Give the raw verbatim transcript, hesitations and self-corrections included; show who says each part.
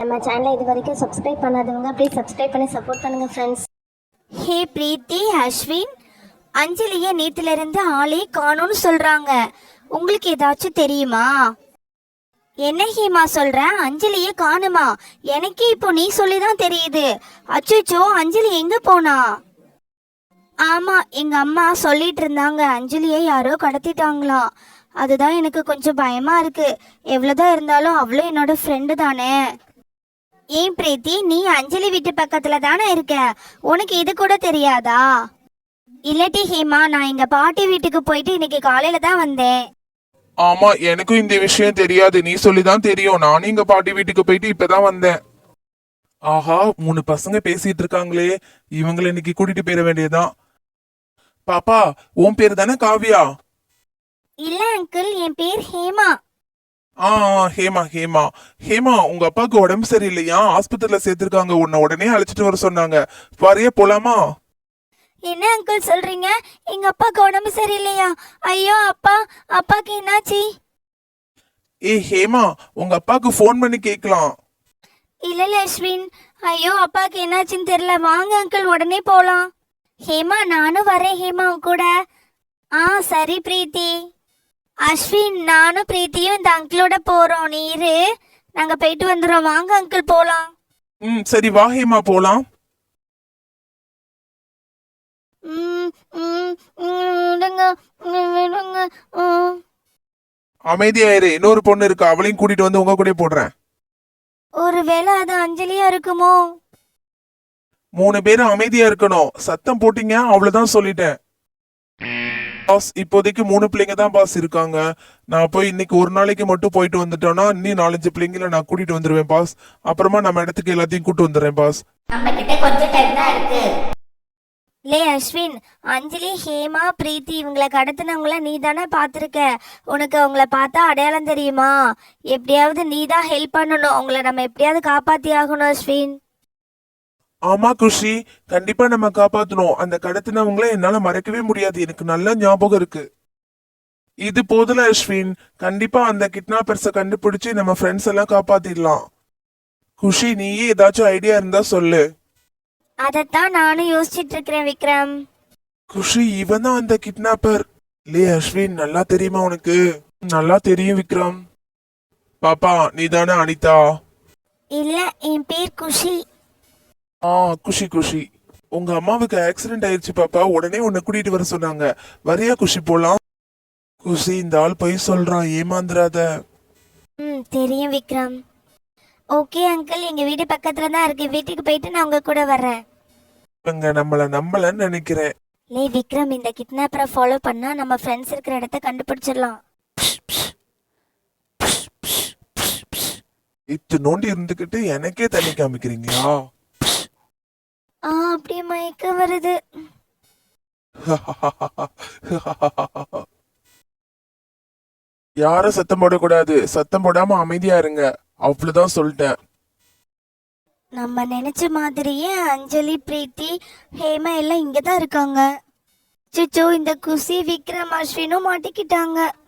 Speaker 1: நம்ம சேனலை இது வரைக்கும் சப்ஸ்கிரைப் பண்ணாதவங்க ப்ளீஸ் சப்ஸ்கிரைப் பண்ணி சப்போர்ட் பண்ணுங்க ஃப்ரெண்ட்ஸ்.
Speaker 2: ஹே பிரீத்தி, அஸ்வின், அஞ்சலிய நேத்துல இருந்து ஆளே காணும்னு சொல்றாங்க. உங்களுக்கு ஏதாச்சும் தெரியுமா? என்ன ஹேமா சொல்ற? அஞ்சலிய காணுமா? எனக்கே இப்போ நீ சொல்லிதான் தெரியுது. அச்சோ, அஞ்சலி எங்க போனா? ஆமா, எங்க அம்மா சொல்லிட்டு இருந்தாங்க அஞ்சலியை யாரோ கடத்திட்டாங்களாம். அதுதான் எனக்கு கொஞ்சம் பயமா இருக்கு. எவ்வளவுதான் இருந்தாலும் அவளும் என்னோட ஃப்ரெண்டு தானே. ஏன் பிரீத்தி, நீ அஞ்சலி வீட்டு பக்கத்துல தானே இருக்க, உனக்கு இது கூட தெரியாதா? இல்லட்டி ஹேமா, நான் எங்க பாட்டி வீட்டுக்கு போயிட்டு இன்னைக்கு காலையில தான் வந்தேன்.
Speaker 3: ஆமா, எனக்கும் இந்த விஷயம் தெரியாது, நீ சொல்லிதான் தெரியும். நானும் எங்க பாட்டி வீட்டுக்கு போயிட்டு இப்பதான் வந்தேன். ஆஹா, மூணு பசங்க பேசிட்டு இருக்காங்களே, இவங்களை இன்னைக்கு கூட்டிட்டு போயிட வேண்டியதுதான். பாப்பா, உன் பேரு தானே காவியா?
Speaker 2: இல்ல அங்கிள், என் பேர் ஹேமா.
Speaker 3: ஆ ஆ, ஹேமா ஹேமா ஹேமா உங்க அப்பாவுக்கு உடம்பு சரியில்லையா? ஆஸ்பத்திரியில சேர்த்திருக்காங்க, உன்னை உடனே அழைச்சிட்டு வர சொன்னாங்க. வரைய போலாமா?
Speaker 2: என்ன அங்கிள் சொல்றீங்க? எங்க அப்பாக்கு உடம்பு சரியில்லையா? ஐயோ அப்பா, அப்பாக்கு என்னாச்சு?
Speaker 3: ஏ ஹேமா, உங்க அப்பாவுக்கு ஃபோன் பண்ணி கேட்கலாம்.
Speaker 2: இல்ல இல்ல அஸ்வின், ஐயோ அப்பாக்கு என்னாச்சுன்னு தெரியல. வாங்க அங்கிள், உடனே போலாம். ஹேமா, நானும் வரேன் ஹேமா உன் கூட. ஆ சரி பிரீத்தி. அஸ்வின், நானும் பிரீத்தியும் இந்த அங்கிளோட போறோம். நீ இரு, நாங்க போயிட்டு வந்துடுறோம். வாங்க அங்கிள் போலாம்.
Speaker 3: ம் சரி, வா ஹேமா போலாம்.
Speaker 2: ம், ம், ம், விடுங்க, ம், விடுங்க. ம்.
Speaker 3: அமைதியாயிரு, இன்னொரு பொண்ணு இருக்கு, அவளையும் கூட்டிட்டு வந்து உங்க கூட போடுறேன்.
Speaker 2: ஒருவேளை அது அஞ்சலியா இருக்குமோ?
Speaker 3: மூணு பேரும் அமைதியா இருக்கணும். சத்தம் போட்டீங்க அவ்வளவுதான், சொல்லிட்டேன். பாஸ், இப்போதைக்கு மூணு பிள்ளைங்க தான் பாஸ் இருக்காங்க. நான் போய் இன்னைக்கு ஒரு நாளைக்கு மட்டும் போயிட்டு வந்துட்டோம்னா இன்னும் நாலஞ்சு பிள்ளைங்கள நான் கூட்டிட்டு வந்துருவேன் பாஸ். அப்புறமா நம்ம இடத்துக்கு எல்லாத்தையும் கூட்டு வந்துடுறேன் பாஸ்.
Speaker 2: நம்ம கிட்ட கொஞ்சம் டைம் தான் இருக்கு. லே அஸ்வின், அஞ்சலி, ஹேமா, பிரீத்தி இவங்களை கடத்தினவங்கள நீ தானே பார்த்துருக்க. உனக்கு அவங்கள பார்த்தா அடையாளம் தெரியுமா? எப்படியாவது நீ தான் ஹெல்ப் பண்ணணும். அவங்கள நம்ம எப்படியாவது காப்பாத்தி ஆகணும் அஸ்வின்.
Speaker 3: ஆமா குஷி, கண்டிப்பா நம்ம காப்பாத்தணும். அந்த கடத்தினவங்கள என்னால மறக்கவே முடியாது, எனக்கு நல்ல ஞாபகம் இருக்கு. இது போதுல அஸ்வின், கண்டிப்பா அந்த கிட்னாப்பர்ஸ கண்டுபிடிச்சு நம்ம ஃப்ரெண்ட்ஸ் எல்லாம் காப்பாத்திடலாம். குஷி, நீயே ஏதாச்சும் ஐடியா இருந்தா சொல்லு.
Speaker 2: அதைத்தான் நானும் யோசிச்சுட்டு இருக்கிறேன் விக்ரம்.
Speaker 3: குஷி, இவன் தான் அந்த கிட்னாப்பர். லே அஸ்வின், நல்லா தெரியுமா உனக்கு? நல்லா தெரியும் விக்ரம். பாப்பா, நீ தானே அனிதா?
Speaker 2: இல்ல, என் பேர் குஷி.
Speaker 3: ஆ குஷி குஷி, உங்க அம்மாவுக்கு ஆக்சிடென்ட் ஆயிடுச்சு பாப்பா, உடனே உன்னை கூட்டிட்டு வர சொன்னாங்க. வரியா குஷி, போலாம்? குஷி, இந்த ஆள் பொய் சொல்றான், ஏமாந்துராத.
Speaker 2: ம் தெரியும் விக்ரம். ஓகே அங்கிள், எங்க வீடு பக்கத்துல தான் இருக்கு. வீட்டுக்கு போயிட்டு நான் உங்க கூட வர்றேன்.
Speaker 3: இவங்க நம்மள நம்பலன்னு நினைக்கிறேன்.
Speaker 2: லே விக்ரம், இந்த கிட்னாப்பரை ஃபாலோ பண்ணா நம்ம ஃப்ரெண்ட்ஸ் இருக்கிற இடத்த கண்டுபிடிச்சிடலாம்.
Speaker 3: இத்து நோண்டி இருந்துகிட்டு எனக்கே தண்ணி காமிக்கிறீங்களா?
Speaker 2: ஆ அப்படியே மயக்க வருது.
Speaker 3: யாரும் சத்தம் போடக்கூடாது, சத்தம் போடாம அமைதியா இருங்க, அவ்வளவுதான் சொல்லிட்டேன்.
Speaker 2: நம்ம நினைச்ச மாதிரியே அஞ்சலி, பிரீத்தி, ஹேமா எல்லாம் இங்கதான் இருக்காங்க. சிச்சோ, இந்த குஷி, விக்ரம், அஸ்வினும் மாட்டிக்கிட்டாங்க.